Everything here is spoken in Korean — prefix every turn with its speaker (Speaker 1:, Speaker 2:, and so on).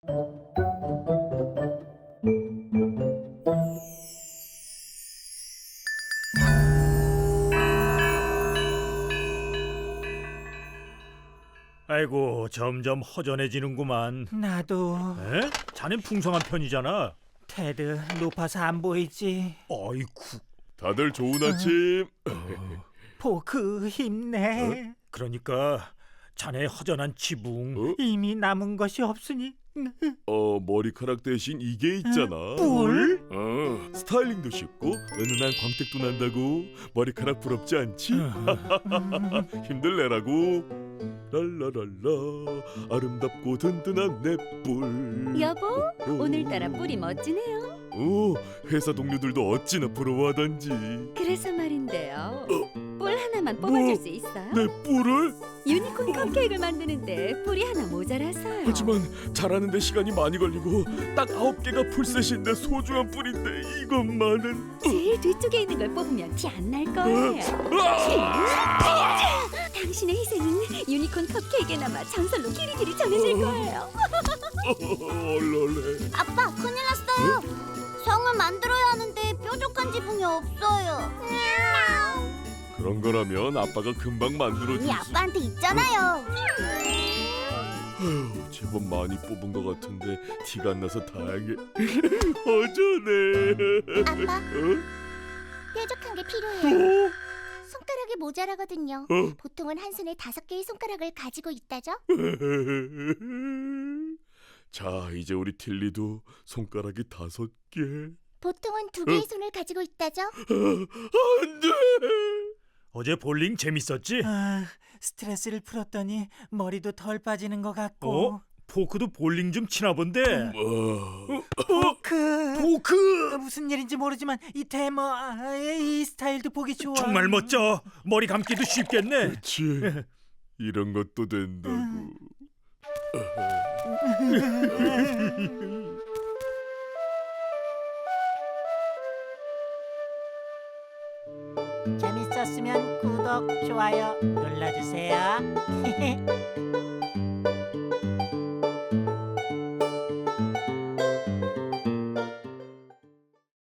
Speaker 1: 아이고, 점점 허전해지는구만.
Speaker 2: 나도.
Speaker 1: 에? 자넨 풍성한 편이잖아.
Speaker 2: 테드, 높아서 안 보이지.
Speaker 1: 아이쿠.
Speaker 3: 다들 좋은 아침.
Speaker 2: 포크 힘내.
Speaker 1: 그러니까 자네의 허전한 지붕.
Speaker 2: 이미 남은 것이 없으니.
Speaker 3: 머리카락 대신 이게 있잖아.
Speaker 2: 뿔?
Speaker 3: 스타일링도 쉽고 은은한 광택도 난다고. 머리카락 부럽지 않지? 힘들래라고. 랄라랄라 아름답고 든든한 내 뿔.
Speaker 4: 여보, 오늘따라 뿔이 멋지네요.
Speaker 3: 회사 동료들도 어찌나 부러워하던지.
Speaker 4: 그래서 말인데요. 뿔 하나만 뽑아줄 수 있어요?
Speaker 3: 내 뿔을?
Speaker 4: 유니콘 컵케이크를 만드는데 뿔이 하나 모자라서요.
Speaker 3: 하지만 자라는데 시간이 많이 걸리고 딱 9개가 풀셋인데 소중한 뿔인데 이것만은.
Speaker 4: 제일 뒤쪽에 있는 걸 뽑으면 티 안 날 거예요. 당신의 희생은 유니콘 컵케이크에나마 전설로 길이길이 전해질 거예요.
Speaker 3: 얼얼해.
Speaker 5: 아빠, 큰일 났어요. 성을 만들어야 하는데 뾰족한 지붕이 없어요.
Speaker 3: 그런 거라면 아빠가 금방 만들어줄
Speaker 5: 이미
Speaker 3: 수.
Speaker 5: 아빠한테 있잖아요.
Speaker 3: 제법 많이 뽑은 것 같은데 티가 안 나서 다행해. 허전해.
Speaker 5: 아빠.
Speaker 3: 어?
Speaker 5: 뾰족한 게 필요해요. 손가락이 모자라거든요. 보통은 한 손에 5개의 손가락을 가지고 있다죠?
Speaker 3: 자, 이제 우리 틸리도 손가락이 5개.
Speaker 5: 보통은 2개의 손을 가지고 있다죠?
Speaker 3: 안 돼.
Speaker 1: 어제 볼링 재밌었지?
Speaker 2: 스트레스를 풀었더니 머리도 덜 빠지는 것 같고.
Speaker 1: 포크도 볼링 좀 치나 본데.
Speaker 2: 포크.
Speaker 1: 포크!
Speaker 2: 무슨 일인지 모르지만 이 테머, 이 스타일도 보기 좋아.
Speaker 1: 정말 멋져. 머리 감기도 쉽겠네.
Speaker 3: 그렇지. 이런 것도 된다고.
Speaker 2: 재밌었으면 구독, 좋아요 눌러주세요.